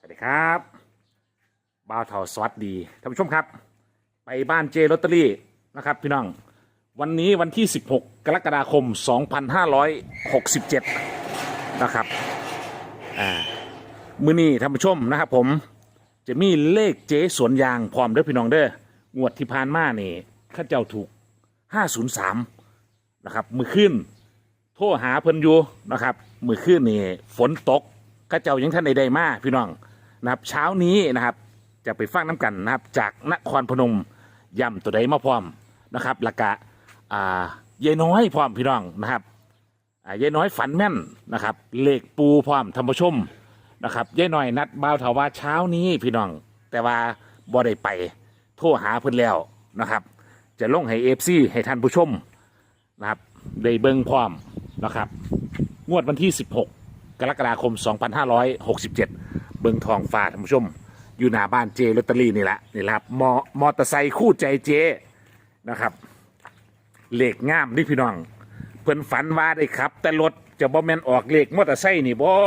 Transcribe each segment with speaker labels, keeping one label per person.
Speaker 1: ดีครับบ่าวเถาสวัสดีท่านผู้ชมครับไปบ้านเจลอตเตอรี่นะครับพี่น้องวันนี้วันที่16กรกฎาคม2567นะครับมื้อนี้ท่านผู้ชมนะครับผมจะมีเลขเจสวนยางพร้อมเด้อพี่น้องเด้องวดที่ผ่านมานี่ข้าเจ้าถูก503นะครับมือขึ้นโทรหาเพิ่นอยู่นะครับมือขึ้นนี่ฝนตกข้าเจ้ายังท่านใดๆมาพี่น้องนะครับเช้านี้นะครับจะไปฟังน้ำกันนะครับจากนครพนมย่ำตัวใดมาพร้อมนะครับแล้วก็ยายน้อยพร้อมพี่น้องนะครับยายน้อยฝันแม่นนะครับเลขปูพร้อมธรรมชมนะครับยายน้อยนัดบ่าวเถาว่าเช้านี้พี่น้องแต่ว่าบ่ได้ไปโทรหาเพิ่นแล้วนะครับจะลงให้FCให้ท่านผู้ชมนะครับได้เบิ่งพร้อมนะครับงวดวันที่16กรกฎาคม2567เบิ่งทองฟ้าท่านผู้ชมอยู่หน้าบ้านเจลอตเตอรี่นี่แหละครับมอเตอร์ไซค์คู่ใจเจนะครับเลขงามนี่พี่น้องเพิ่นฝันว่าได้ครับแต่รถจะบ่แม่นออกเลขมอเตอร์ไซค์นี่บ่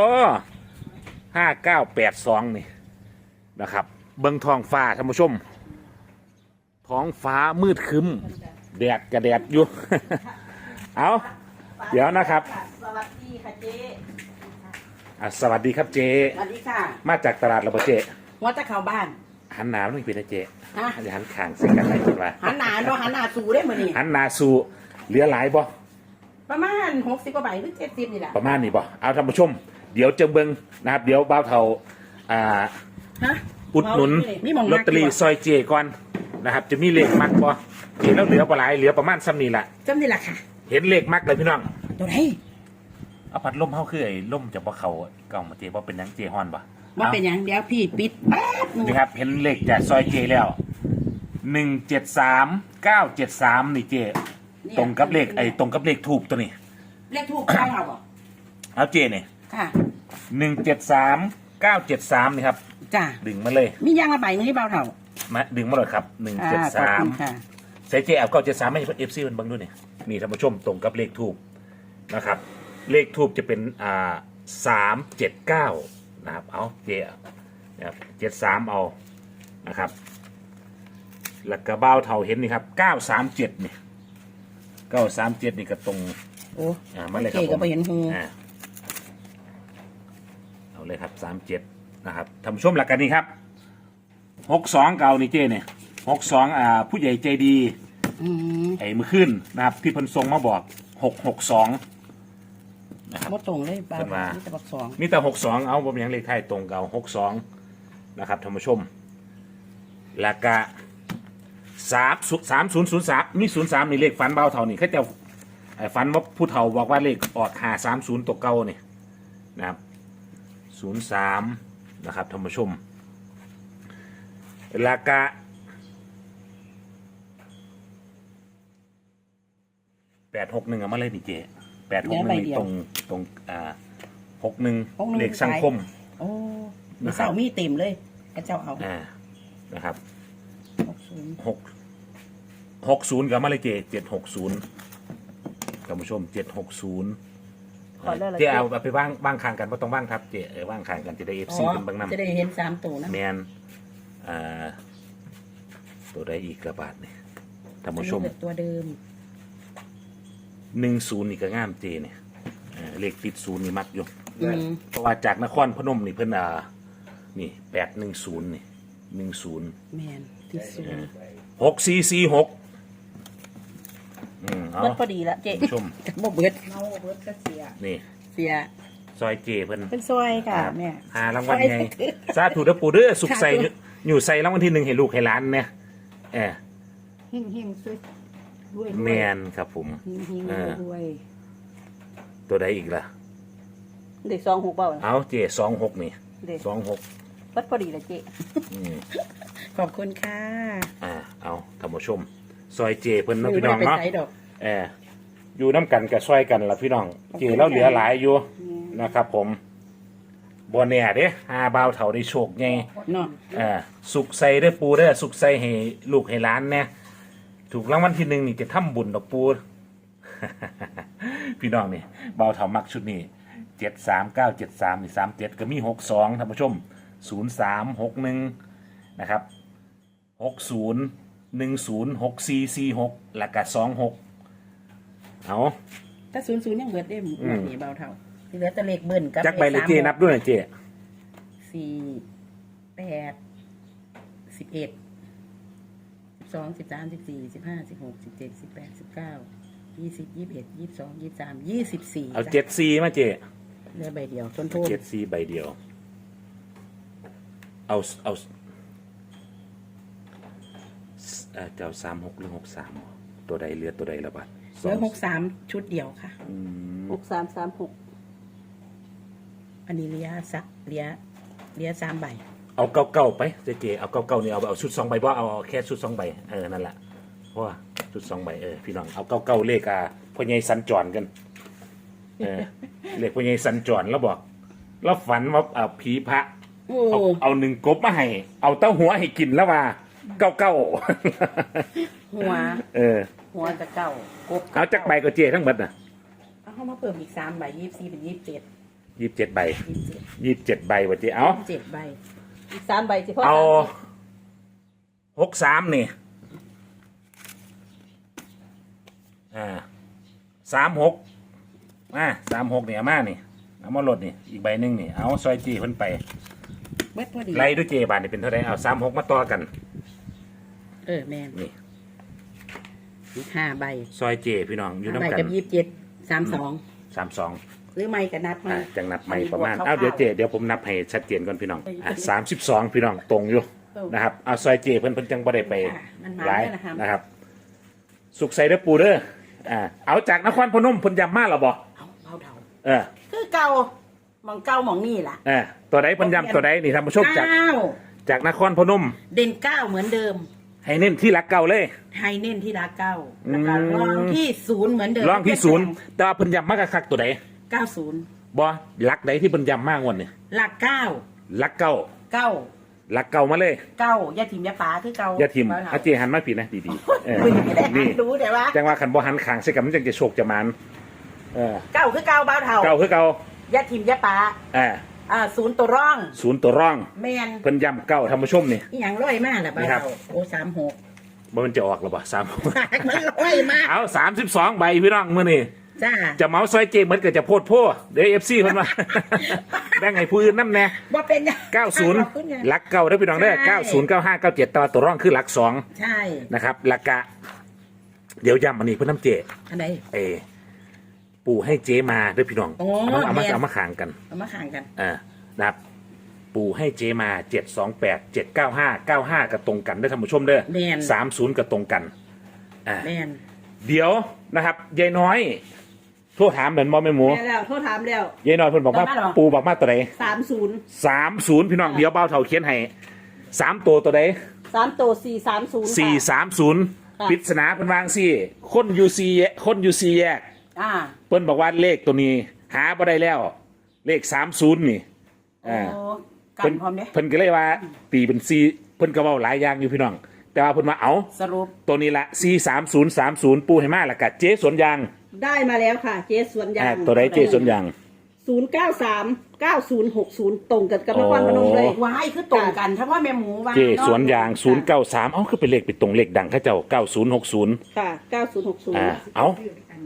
Speaker 1: 5982นี่นะครับเบิ่งทองฟ้าท่านผู้ชมท้องฟ้ามืดครึ้มแดดกระแดดอยู่ เอาเดี๋ยวนะครับ
Speaker 2: สวัสดีค่ะเจ๊
Speaker 1: สวัสดีครับเจ
Speaker 2: สวัสดีค่ะ
Speaker 1: มาจากตลาดระเบเจ
Speaker 2: ว่าจะเข้าบ้าน
Speaker 1: หันหนาไม่เป็นนะเจอย่าหันข่างสิกันอะไรกันวะ
Speaker 2: หันหนาเนาะหันหนาสู่ได้เหมือนนี่
Speaker 1: หันหนาสู่เหลือหลายบ่
Speaker 2: ประมาณ60 กว่าใบหรือ70นี่แหละ
Speaker 1: ประมาณนี้บ่เอาท่านผู้ชมเดี๋ยวจะเบิ่งนะครับเดี๋ยวบ่าวเฒ่าอุดหนุนลอตเตอรี่ซอยเจก่อนนะครับจะมีเลขมักบ่เห็นแล้วเหลือบ่หลายเหลือประมาณซ้ำนี่แหละ
Speaker 2: ซ้ำนี่แหละค่ะ
Speaker 1: เห็นเลขมักเลยพี่น้อง
Speaker 2: ตัวไหน
Speaker 1: เอาพัดลมเฮาคือไอ้ลมจะบ่เข้าเก่ามาเจบ่เป็นหยังเจฮ้อนบ่
Speaker 2: ว่าเป็นอย่างเดียวพี่ปิดแป๊บ
Speaker 1: นี่ครับเห็นเลขจากซอยเจแล้ว173973นี่เจตรงกับเลขตรงกับเลขทูบตัวนี้
Speaker 2: เลขทูบเข้าบ่
Speaker 1: เอาเจเนี่ย
Speaker 2: ค่ะ
Speaker 1: 173973นี่ครับ
Speaker 2: จ้า
Speaker 1: ดึงมาเลย
Speaker 2: มียางละใบนึงที่เบาเท่า
Speaker 1: มาดึงมาเลยครับ173ใส่เจเอา973ให้ FC มันบังด้วยนี่ท่านผู้ชมตรงกับเลขทูบนะครับเลขทูบจะเป็น379นะครับเอาเจนะครับ73เอานะครับแล้วก็เบ้าเท่าเห็นนี่ครับ937นี่937นี่ก็ตรง
Speaker 2: โอ้
Speaker 1: มาเลยครับผม
Speaker 2: เห็นหู
Speaker 1: เอาเลยครับ37นะครับท่านผู้ชมหลักกันนี่ครับ62เก่านี่เจเนี่ย62ผู้ใหญ่ใจดีไอ้มือขึ้นนะครับที่เพิ่นทรงมาบอก662นะครับ
Speaker 2: ตรงเลยป้ามีแต่62
Speaker 1: มีแต่62เอาบ่มีหยังเลขไทยตรงเก่า62นะครับท่านผู้ชมแล้วก็3003มี03นี่เลขฝันเบาเท่านี่เขาจะฝันว่าผู้เฒ่าบอกว่าเลขออก530ตัวเก่านี่นะครับ03นะครับท่านผู้ชมแล้วก็861เอามาเลยนี่เจ861นี่ตรง61เลขสังคม
Speaker 2: โอ้มีเสามีเต็มเลยกระเจ้าเอา
Speaker 1: นะครับ60กับมาเลยเจ760ท่านผู้ชม760เจเอาไปบ้างคางกันว่าต้องบ้างครับเจบ้างคางกันจะได้ FC เป็นบางน้ำ
Speaker 2: จะได้เห็น3ตัวนะ
Speaker 1: แมนตัวได้อีกกระบาดเนี่ยท่านผู้ชม
Speaker 2: ตัวเดิม
Speaker 1: 10นี่ก็ง่ามเจเนี่ยเลขติด0นี่มักอยู่เพราะว่าจากนครพนมนี่เพิ่นนี่810นี่10
Speaker 2: แมนติด
Speaker 1: 6446
Speaker 2: เบิดพอดีละเจ๊
Speaker 1: ชม
Speaker 2: บ่เบิดก็เสีย
Speaker 1: นี่
Speaker 2: เสีย
Speaker 1: ซอยเจเพิ่น
Speaker 2: เป็นซอยค่ะแม่
Speaker 1: รางวัลไงสาธุเด้อปู่เด้อสุขใส่อยู่ใส่รางวัลที่1ให้ลูกให้หลานเนี่ยเ
Speaker 2: ฮงๆด้วย
Speaker 1: แมนครับผม
Speaker 2: ด้วย
Speaker 1: ตัวใดอีกล่ะ
Speaker 2: เด็ก26เปล่า
Speaker 1: เอาเจ26นี่26
Speaker 2: เบิดพอดีละเจ๊ขอบคุณค่ะ
Speaker 1: เอาท่านผู้ชมซอยเจเพิ่นน้องพี่น้องเนาะอยู่น้ำกันกับซอยกันละพี่น้องเจแล้วเหลือหลายอยู่นะครับผมบัวเนี่ยเด้บ่าวเฒ่าได้โชคไงสุกใส่ได้ปูได้สุกใส่ให้ลูกให้หลานเนี่ยถูกรางวัลที่1นี่จะทำบุญดอกปูพี่น้องนี่บ่าวเฒ่ามักชุดนี้73973นี่37ก็มี62ท่านผู้ชม 0361นะครับ60106446แล้วก็26เอา
Speaker 2: ถ้า00ยังเบิดได้หมดนี่เบาเท่าที่เหลือแต่เลขเบิ้ลกับ
Speaker 1: จักใบเลยเจนับด้วยหน่อยเจ
Speaker 2: 4 8 11 12 13 14 15 16 17 18 19 20 21 22 23 24
Speaker 1: เอา74มาเจ
Speaker 2: เหลือใบเดียวต้นโทษ
Speaker 1: 74ใบเดียวเอาเจ้า36หรือ63ตัวใดเหลือตัวใดละบัด
Speaker 2: เหลือ63ชุดเดียวค่ะ
Speaker 3: 6336
Speaker 2: อันนี้เหลีย3ใบ
Speaker 1: เอาเก้าไปเจเอาเก้านี่เอาชุด2ใบบ่เอาแค่ชุด2ใบนั่นแหละเพราะว่าชุด2ใบพี่น้องเอาเก้าเลขพ่อใหญ่สัญจรกันเลขพ่อใหญ่สัญจรแล้วบอกแล้วฝันว่าผีพระ
Speaker 2: โอ้
Speaker 1: เอา1กบมาให้เอาเต้าหัวให้กินแล้วว่าเก้า
Speaker 2: หัว หัวกับเก้ากบ
Speaker 1: เอาจักใบก็เจทั้งหมดน่ะ
Speaker 2: เอาเข้ามาเพิ่มอีก3ใบ24เป็น27
Speaker 1: 27ใบ
Speaker 2: 27
Speaker 1: 27ใบว่าเจเอา
Speaker 2: 7ใบ
Speaker 3: อีก3ใบสิพ่อ
Speaker 1: เอา
Speaker 3: 30
Speaker 1: 63นี่3636นี่เอามานี่เอามาลดนี่อีกใบหนึงนี่เอาซอยจีเพิ่นไป
Speaker 2: เบิดพอดี
Speaker 1: ไล่ด้วยเจบาทนี่เป็นเท่าไหร่เอา36มาต่อกัน
Speaker 2: แม่น
Speaker 1: นี่
Speaker 2: อีก5ใบ
Speaker 1: ซอยเจพี่น้องอยู่
Speaker 2: 5ใบ
Speaker 1: น้ำกั
Speaker 2: กัน บ27 32
Speaker 1: 32
Speaker 2: หรือไม่ก็นับมา
Speaker 1: จังนับใหม่ประมาณ
Speaker 2: อันนี้บวก
Speaker 1: เอาเดี๋ยว
Speaker 2: ค
Speaker 1: เจ
Speaker 2: ร่าวๆ
Speaker 1: เดี๋ยวผมนับให้ชัดเจนก่อนพี่น้อง32พี่น้องตรงอยู่นะครับเอาซอยเจเพิ่นจังบ่ได้ไป
Speaker 2: มันมา
Speaker 1: หลาย
Speaker 2: แล้วนะครับ
Speaker 1: นะครับ สุขใส่เด้อปูเด้อเอาจากนครพนมเพิ่นย้ำมาแล้วบ่
Speaker 2: เอาเบาเท่า
Speaker 1: คือ
Speaker 2: เก่าหมองเก่าหมองนี่ล่ะ
Speaker 1: ตัวใดเพิ่นย้ำตัวใดนี่ท่านผู้ชมจาก
Speaker 2: 9
Speaker 1: จากนครพนม
Speaker 2: เด่น9เหมือนเดิม
Speaker 1: ให้เน้นที่หลักเก่าเลย
Speaker 2: ไฮเน้นที่รัก9แล้วก็รองที่0เหมือนเดิม
Speaker 1: รองที่0แต่ว่าเพิ่นย้ำมากคักๆตัวใด
Speaker 2: 90
Speaker 1: บ่หลักใดที่เพิ่นย้ำมากงวดนี่
Speaker 2: หลัก9
Speaker 1: หลักเก่า
Speaker 2: 9
Speaker 1: หลักเก่ามาเลย
Speaker 2: 9อย่าถิ่มอย่าป๋าคือเก่า
Speaker 1: อย่าทิม
Speaker 2: เบ
Speaker 1: อาเจหันมาผิดนะดีๆ
Speaker 2: ไม่ได้หั
Speaker 1: นี่
Speaker 2: นดูแต่ว่า
Speaker 1: จังว่าขันบ่หันขางใส่กันมันจังจะโชคจะมัน
Speaker 2: เก่าคือเก่าเบาเท่า
Speaker 1: เก่าคือเก่า
Speaker 2: อย่าถิ่มอย่าป๋า0ตัวร่อง
Speaker 1: ศูนย์ตัวร่อง
Speaker 2: แมน
Speaker 1: เพิ่นย้ำเก่าท่านผู้ชมนี่
Speaker 2: อีหยังร้อยมากล่ะเบา
Speaker 1: นี่ครับ
Speaker 2: เท่าโอ้36
Speaker 1: บ่มันจะออกหรือเปล่า
Speaker 2: มันร้อยมาก
Speaker 1: เอา32ใบพี่น้องมื้อนี้
Speaker 2: จ้า
Speaker 1: จะเมาซอยเจเหมือนกับจะโพดโพเดี๋ยว FC เพิ่นว่า แบ่งให้ผู้อื่นนำแน่
Speaker 2: บ่เป็นหยังขอบคุณไง
Speaker 1: 90หลักเก่าเด้อพี่น้องเด้อ
Speaker 2: ใช่
Speaker 1: 90 95 97ตัวร่องคือหลัก2
Speaker 2: ใช่
Speaker 1: นะครับหลักกะเดี๋ยวย้ำอันนี้เพิ่นนำเจ
Speaker 2: อันไหน
Speaker 1: ปู่ให้เจมาเด้อพี่น้อง
Speaker 2: โอ้
Speaker 1: เอามา
Speaker 2: แม่น
Speaker 1: เอามาขางกัน
Speaker 2: เอามาข่างกัน
Speaker 1: นะครับปู่ให้เจมา728 795 95กับตรงกันได้อท่านผู้ชมเด้อ
Speaker 2: แม่น
Speaker 1: 30กับตรงกัน
Speaker 2: แมน
Speaker 1: เดี๋ยวนะครับยายน้อยโทรถามเหมือนมอแม่หมู
Speaker 3: แม่แล้วโทรถามแล้ว
Speaker 1: ยายน้อยเพิ่นบอกว่าปู่บอกมาตัวใด
Speaker 3: 30
Speaker 1: 30พี่น้องเดี๋ยวเบ้าเท่าเขียนให้3ตัวตัวใด
Speaker 3: 3ตัว430
Speaker 1: 430ปริศนาเพิ่นวางซี่คนอยู่ซีแยก เพิ่นบอกว่าเลขตัวนี้หาบ่ได้แล้ว เลข30นี่
Speaker 2: โอ้กั
Speaker 1: เพิ่
Speaker 2: น
Speaker 1: น
Speaker 2: พร้อมเด้
Speaker 1: เพิ่นก็เลยว่าตีเป็น4เพิ่นก็เว้าหลายอย่างอยู่พี่น้อง แต่ว่าเพิ่นมาเอา
Speaker 2: สรุป
Speaker 1: ตัวนี้ละ43030ปูให้มาแล้วก็เจ๊สวนยาง
Speaker 3: ได้มาแล้วค่ะ เจสวนยาง
Speaker 1: ตัวใดเจ๊สวนยาง
Speaker 3: 093 9060 ตรงกันกับนครพนมเลย
Speaker 2: วายคือตรงกันถ้าว่าแม่หมูว่า
Speaker 1: เจ๊สวนยาง093เอ้าคือเป็นเลขไปตรงเลขดังเขาเจ้า9060
Speaker 3: ค่ะ 9060
Speaker 1: เอ้า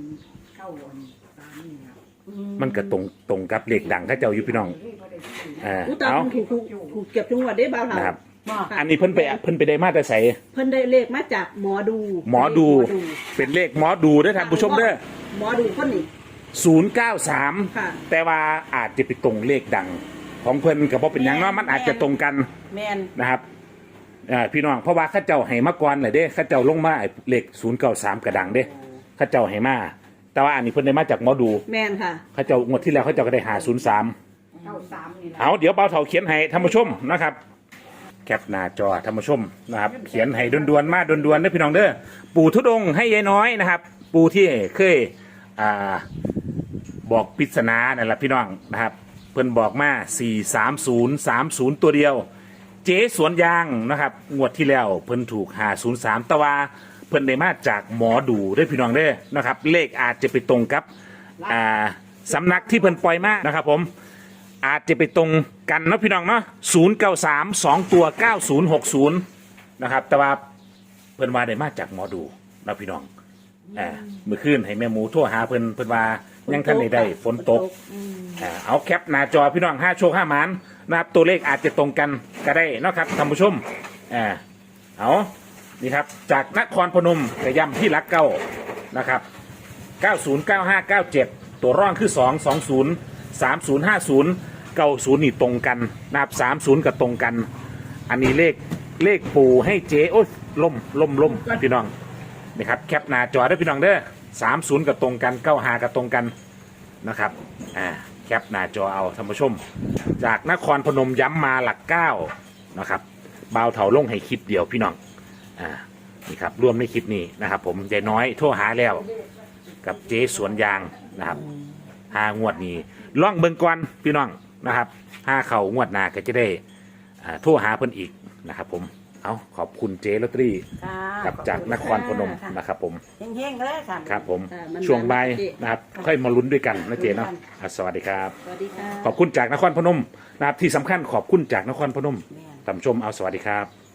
Speaker 1: มันก็ตรงกับเลขดังเขาเจ้าอยู่พี่น้อง
Speaker 3: อุตา
Speaker 1: เอ้า
Speaker 3: ถูกเก็บจังหวัดได้บ้าง
Speaker 1: นะครับ
Speaker 3: ค่ะ
Speaker 1: อันนี้เพิ่นไปได้มาแต่ใส่
Speaker 3: เพิ่นได้เลขมาจากหมอดู
Speaker 1: หมอดูเป็นเลขหมอดูเด้อท่านผู้ชมเด้อ
Speaker 3: หมอดูคนนี้
Speaker 1: 093
Speaker 3: ค่ะ
Speaker 1: แต่ว่าอาจจะไปตรงเลขดัง ของเพิ่นกับบ่เป็นหยังเนาะมันอาจจะตรงกัน
Speaker 2: แมน
Speaker 1: นะครับพี่น้องเพราะว่าข้าเจ้าให้มาก่อนเลยเด้ข้าเจ้าลงมาไอ้เลข093กระดังเด้ข้าเจ้าให้มาแต่ว่าอันนี้เพิ่นได้มาจากหมอดู
Speaker 3: แมนค่ะ
Speaker 1: ข้าเจ้างวดที่แล้วข้าเจ้าก็ได้หา03เอาเดี๋ยวเบาเถาเขียนให้ท่านผู้ชมนะครับ แคปหน้าจอท่านผู้ชมนะครับ เขียนให้ด่วนๆมาด่วนๆเด้อพี่น้องเด้อปู่ทุดงค์ให้ยายน้อยนะครับ ปู่ที่เคยบอกปริศนานั่นแหละพี่น้องนะครับ เพิ่นบอกมา43030ตัวเดียว เจ๊สวนยางนะครับงวดที่แล้วเพิ่นถูก503แต่ว่าเพิ่นได้มาจากหมอดูเด้อพี่น้องเด้อนะครับ เลขอาจจะไปตรงกับสำนักที่เพิ่นปล่อยมานะครับผมอาจจะไปตรงกันเนาะพี่น้องเนาะ093 2ตัว9060นะครับแต่ว่าเพิ่นว่าได้มาจากหมอดูนะพี่น้องเมื่อคืนให้แม่หมูโทรหาเพิ่นว่ายังท่านได้ฝนตกเอาแคปหน้าจอพี่น้อง5โชค5หมานนะครับตัวเลขอาจจะตรงกันก็ได้เนาะครับท่านผู้ชมเอานี่ครับจากนครพนมกระยำที่รักเก้านะครับ909597ตัวร่องคือ220 3050 90นี่ตรงกันนะครับ30กับตรงกันอันนี้เลขปู่ให้เจ๊โอ้ยล่มพี่น้องนี่ครับแคปหน้าจอได้พี่น้องเด้อ30กับตรงกัน95กับตรงกันนะครับแคปหน้าจอเอาท่านผู้ชมจากนครพนมย้ำมาหลัก9นะครับบ่าวเถาลงให้คลิปเดียวพี่น้องนี่ครับรวมในคลิปนี้นะครับผมยายน้อยโทรหาแล้วกับเจ๊สวนยางนะครับ5 งวดนี้ล่องเบิ่งก่อนพี่น้องนะครับ5 เข่างวดหน้าก็จะได้โทรหาเพิ่นอีกนะครับผมเอาขอบคุณเจ๊ลอตเตอรี่กับจากนครพนมนะครับผม
Speaker 2: เฮงๆเลยค่ะ
Speaker 1: ครับผมช่วงบ่ายนะครับค่อยมาลุ้นด้วยกันนะเจ๊เนาะสวัสดีครับ
Speaker 3: สวัสดีค่ะ
Speaker 1: ขอบคุณจากนครพนมนะครับที่สำคัญขอบคุณจากนครพนมท่านผู้ชมเอาสวัสดีครับ